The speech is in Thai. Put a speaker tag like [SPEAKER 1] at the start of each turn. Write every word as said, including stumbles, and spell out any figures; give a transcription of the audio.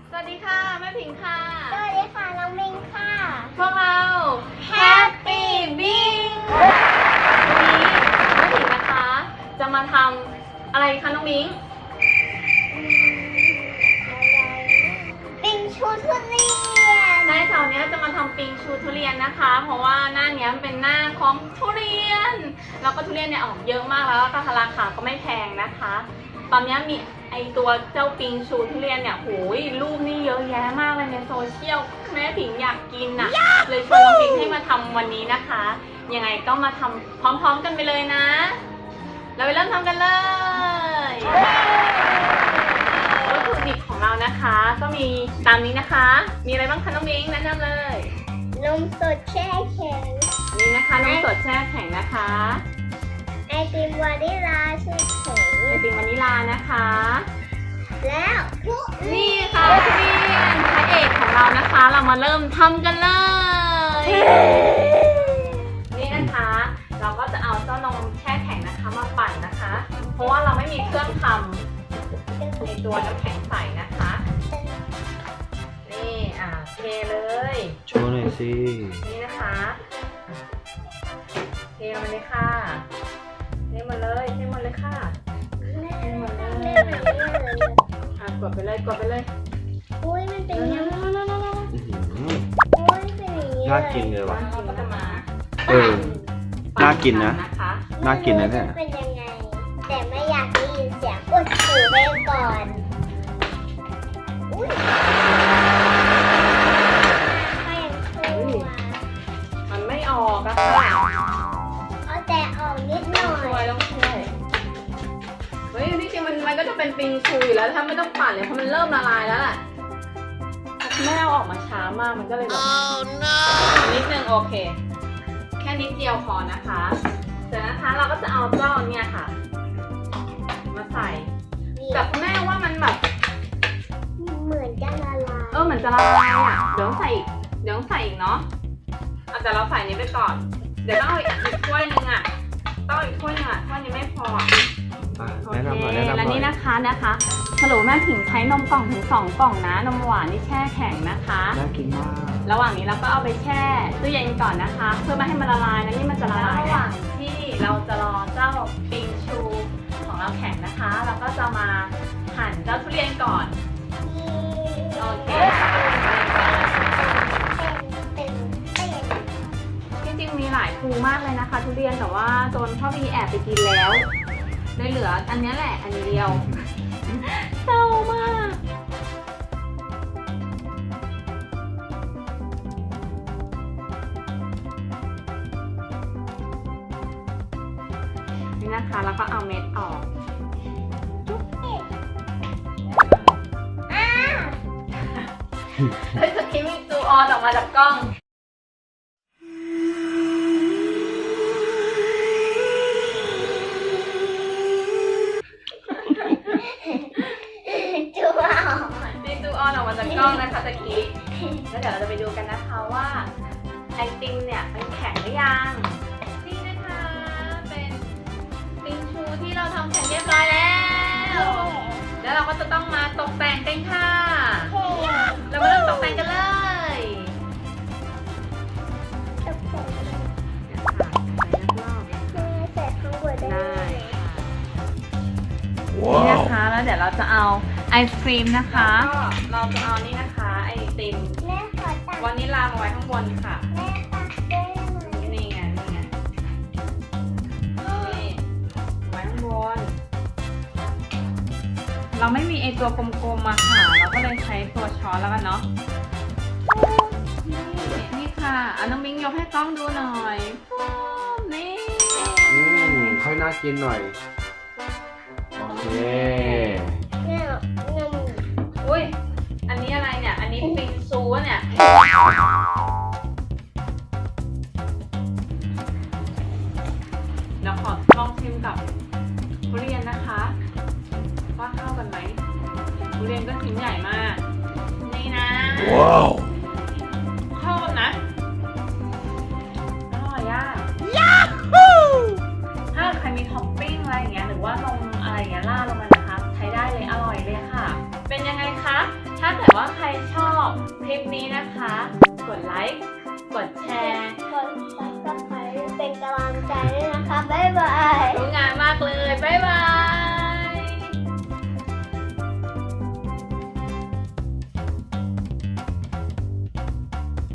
[SPEAKER 1] สวัสดีค่ะแม่ผิงค่ะ
[SPEAKER 2] สวัสดีค่ะน้องมิงค่ะ
[SPEAKER 1] พวกเรา Happy Bing วันนี้แม่ผิงนะคะจะมาทำอะไรคะน้องมิง
[SPEAKER 2] ปิงชูทุเรียน
[SPEAKER 1] ในแถวนี้จะมาทำปิงชูทุเรียนนะคะเพราะว่าหน้านี้เป็นหน้าของทุเรียนแล้วก็ทุเรียนเนี่ยออกเยอะมากแล้วก็ราคาก็ไม่แพงนะคะตอนนี้มีไอตัวเจ้าปิงชูทุเรียนเนี่ยโหยรูปนี่เยอะแยะมากเลยในโซเชียลแม่ผิงอยากกินน่ะเลยชวนน้องปิงให้มาทำวันนี้นะคะยังไงก็มาทำพร้อมๆกันไปเลยนะเราไปเริ่มทำกันเลยวัตถุดิบของเรานะคะก็มีตามนี้นะคะมีอะไรบ้างคะน้องปิงแนะนำเลย
[SPEAKER 2] นมสดแช่แข็ง
[SPEAKER 1] นี่นะคะนมสดแช่แข็งนะคะ
[SPEAKER 2] ไอติมวานิลาแช่แข็ง
[SPEAKER 1] ไอติมวานิลานะคะ
[SPEAKER 2] แล้วทุ
[SPEAKER 1] นี่ค่ะทุเรียนพระเอกของเรานะคะเรามาเริ่มทำกันเลยนี่นะคะเราก็จะเอาเจ้านมแช่แข็งนะคะมาปั่นนะคะเพราะว่าเราไม่มีเครื่องทำในตัวน้ำแข็งใสนะคะนี่อ่าเทเลย
[SPEAKER 3] โชว์หน่อยสิ
[SPEAKER 1] นี่นะคะเทลงมาเลยค่ะเทหมดเลยเทหมดเลยค่ะเทหมดเลยอ่ะกดไปเลยกดไปเลย
[SPEAKER 2] อุ้ยมันเป็นยังไง
[SPEAKER 3] อุ้ย
[SPEAKER 2] เป็นอย่างนี้
[SPEAKER 3] น่ากินเลยว่ะ
[SPEAKER 1] เราก็จะมา
[SPEAKER 3] เออน่ากินนะน่ากินนะเนี่ย
[SPEAKER 2] เป็นยังไงแต่ไม่อยากได้ยินเสียงกดหูไปก่อนอุ้ยก็ยังชั่ว
[SPEAKER 1] มันไม่ออกอะค่ะ
[SPEAKER 2] เอาแต่ออกนิดหน่อย
[SPEAKER 1] ช่วยต้องช่วยเฮ้ยที่จริงมันมันก็จะเป็นปิงชูอยู่แล้วถ้าไม่ต้องปั่นเลยเพราะมันเริ่มละลายแล้วแหละแม่เอาออกมาช้ามากมันก็เลยแบบนิดนึงโอเคแค่นิดเดียวพอนะคะเสร็จนะคะเราก็จะเอาเจ้าเนี่ยค่ะมาใส่แต่แม่ว่ามันแบบ
[SPEAKER 2] เหมือนจะละลาย
[SPEAKER 1] เออเหมือนจะละลายอ่ะเดี๋ยวใส่เดี๋ยวใส่อีกเนาะเอาแต่เราใส่นี้ไปก่อนเดี๋ยวต้องเอาอีกถ้วยนึงอ่ะต้องอีกถ้วยนึงอ่ะถ้วยนี้ไม่พอ
[SPEAKER 3] แนะนำหน่อยแนะนำหน่อย
[SPEAKER 1] และนี่นะคะนะคะสรุปแม่ผิงใช้นมกล่องถึงสองกล่องนะนมหวานนี่แช่แข็งนะคะ
[SPEAKER 3] น่ากินมาก
[SPEAKER 1] ระหว่างนี้เราก็เอาไปแช่ตู้เย็นก่อนนะคะเพื่อไม่ให้มันละลายนะนี่มันจะละลายระหว่างที่เราจะรอเจ้าปิงชูของเราแข็งนะคะเราก็จะมาหั่นเจ้าทุเรียนก่อนโอเคจริงๆมีหลายภูมากเลยนะคะทุเรียนแต่ว่าโดนพ่อพีแอบไปกินแล้วเลยเหลืออันนี้แหละอันเดียวเศร้ามากนี่นะคะแล้วก็เอาเม็ดออกเฮ้ยสกิมมิ่งตูออนออกมาจากกล้อง
[SPEAKER 2] จูออน
[SPEAKER 1] นี่ตูออนออกมาจากกล้องนะคะตะกี้แล้วเดี๋ยวเราจะไปดูกันนะคะว่าไอติมเนี่ยมันแข็งหรือยังนี่นะคะเป็นปิงชูที่เราทำเสร็จเรียบร้อยแล้วแล้วเราก็จะต้องมาตกแต่งกันค่ะเรามาเริ่มตกแต่งกันเลย
[SPEAKER 2] ตกแต่งใส่ข้างบนได้
[SPEAKER 1] นี่นะคะแล้วเดี๋ยวเราจะเอาไอศครีมนะคะเราจะเอานี่นะคะไอติมวานิลามาไว้ข้างบนค่ะนี่ไงนี่ไงนี่ไว้ข้างบนเราไม่มีไอตัวกลมๆมาค่ะเราก็เลยใช้ตัวช้อนแล้วกันเนาะนี่นี่ค่ะอ่ะน้องมิ้งยกให้กล้องดูหน่อยนี่
[SPEAKER 3] อืมค่อยน่ากินหน่อยโอเค
[SPEAKER 1] อุ้ยอันนี้อะไรเนี่ยอันนี้ปิงซูเนี่ยเดี๋ยวขอลองชิมกับทุเรียนนะคะว่าเข้ากันไหมทุเรียนก็ชิ้นใหญ่มากนี่นะว้าวเข้ากันนะอร่อยอ่ะยาฮูถ้าใครมีท็อปปิ้งอะไรอย่างเงี้ยหรือว่านมอะไรอย่างเงี้ยราดลงมานะคะใช้ได้เลยอร่อยเลยค่ะเป็นยังไงคะถ้าเกิดว่าใครคลิปนี้นะคะ กดไลค์ กดแชร์
[SPEAKER 2] กดซับสไครต์เป็นกำลังใจด้วยนะคะ บ๊ายบาย